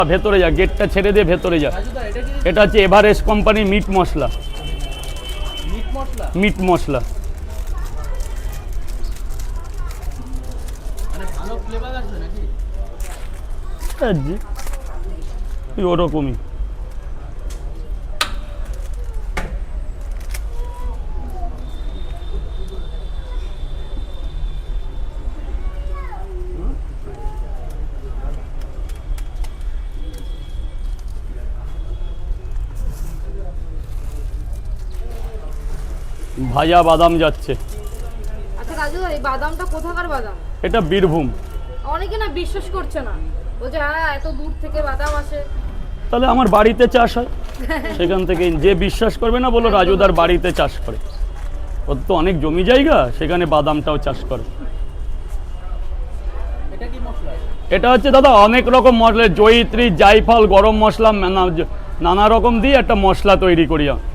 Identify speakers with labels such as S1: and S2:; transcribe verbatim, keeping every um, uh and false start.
S1: ভেতরে যা, গেটটা ছেড়ে দিয়ে ভেতরে যা। এটা হচ্ছে এভারেস্ট কোম্পানির মিট মশলা। মিট মশলা ওরকমই। ভাজা বাদাম যাচ্ছে।
S2: আচ্ছা রাজু ভাই, বাদামটা কোথাকার বাদাম?
S1: এটা বীরভূম।
S2: অনেকে না বিশ্বাস করছে না, বলছে হ্যাঁ এত দূর থেকে বাদাম আসে।
S1: তাহলে আমার বাড়িতে চাষ হয়, সেখান থেকে যে বিশ্বাস করবে না বলো রাজুদার বাড়িতে চাষ করে। ওর তো অনেক জমি জায়গা, সেখানে বাদামটাও চাষ করে। এটা হচ্ছে দাদা অনেক রকম মশলা, জয়িত্রী, জায়ফল, গরম মশলা, নানা রকম দিয়ে একটা মশলা তৈরি করি।